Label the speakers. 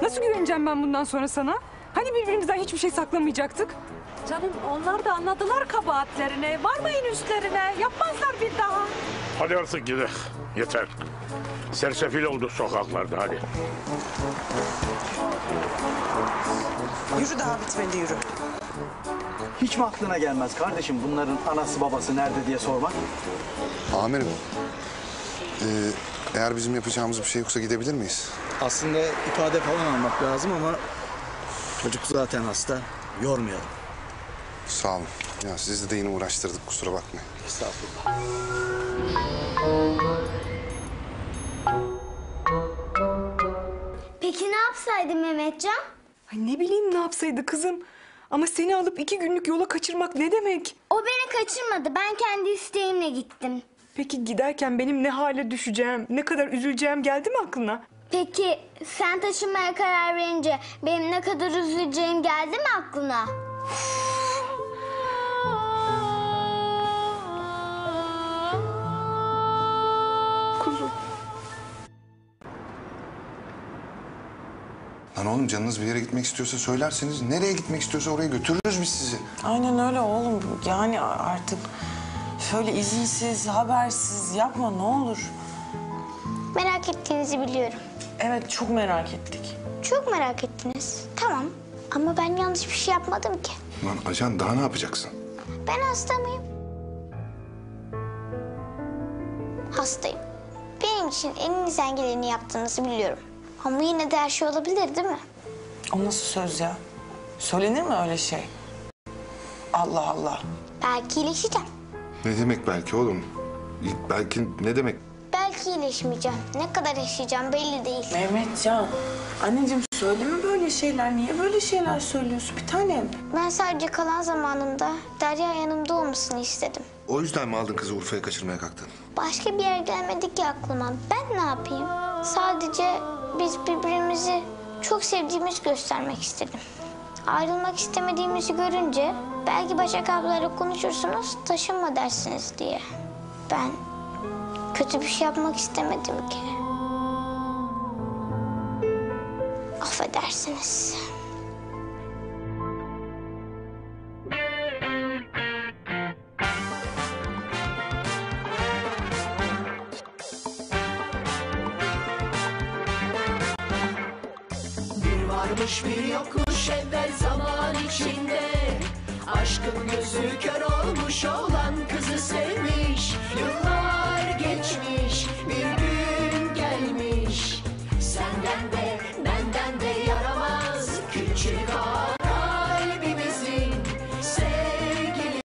Speaker 1: Nasıl güveneceğim ben bundan sonra sana? Hani birbirimizden hiçbir şey saklamayacaktık?
Speaker 2: Canım onlar da anladılar kabahatlerini. Varmayın üstlerine. Yapmazlar bir daha.
Speaker 3: Hadi artık gidelim. Yeter. Sersefil oldu sokaklarda, hadi.
Speaker 4: Yürü, daha bitmedi, yürü.
Speaker 5: Hiç mi aklına gelmez kardeşim bunların anası babası nerede diye sormak?
Speaker 6: Amirim, eğer bizim yapacağımız bir şey yoksa gidebilir miyiz?
Speaker 5: Aslında ifade falan almak lazım ama çocuk zaten hasta. Yormayalım.
Speaker 6: Sağ olun. Ya sizi de yine uğraştırdık, kusura bakmayın.
Speaker 5: Estağfurullah.
Speaker 7: Peki ne yapsaydı Mehmetcan?
Speaker 1: Ay ne bileyim ne yapsaydı kızım. Ama seni alıp 2 günlük yola kaçırmak ne demek?
Speaker 7: O beni kaçırmadı. Ben kendi isteğimle gittim.
Speaker 1: Peki giderken benim ne hale düşeceğim, ne kadar üzüleceğim geldi mi aklına?
Speaker 7: Peki sen taşınmaya karar verince benim ne kadar üzüleceğim geldi mi aklına?
Speaker 1: Kuzum.
Speaker 6: Lan oğlum canınız bir yere gitmek istiyorsa söylerseniz, nereye gitmek istiyorsa oraya götürürüz biz sizi.
Speaker 4: Aynen öyle oğlum. Yani artık şöyle izinsiz, habersiz yapma ne olur.
Speaker 7: Merak ettiğinizi biliyorum.
Speaker 4: Evet, çok merak ettik.
Speaker 7: Çok merak ettiniz. Tamam ama ben yanlış bir şey yapmadım ki.
Speaker 6: Lan ajan daha ne yapacaksın?
Speaker 7: Ben hasta mıyım? Hastayım. Benim için elinizden geleni yaptığınızı biliyorum. Ama yine de her şey olabilir değil mi?
Speaker 4: O nasıl söz ya? Söylenir mi öyle şey? Allah Allah.
Speaker 7: Belki iyileşeceğim.
Speaker 6: Ne demek belki oğlum? Belki ne demek?
Speaker 7: Belki iyileşmeyeceğim. Ne kadar yaşayacağım belli değil.
Speaker 4: Mehmetcan, anneciğim söyleme böyle şeyler. Niye böyle şeyler söylüyorsun bir tanem?
Speaker 7: Ben sadece kalan zamanımda Derya yanımda olmasını istedim.
Speaker 6: O yüzden mi aldın kızı Urfa'ya kaçırmaya kalktın?
Speaker 7: Başka bir yer gelmedi ki aklıma. Ben ne yapayım? Sadece biz birbirimizi çok sevdiğimizi göstermek istedim. Ayrılmak istemediğimizi görünce belki Başak ablayla konuşursunuz, taşınma dersiniz diye. Ben kötü bir şey yapmak istemedim ki. Affedersiniz.
Speaker 8: Varmış bir yokmuş evvel zaman içinde, aşkın gözü kör olmuş olan kızı sevmiş. Yıllar geçmiş, bir gün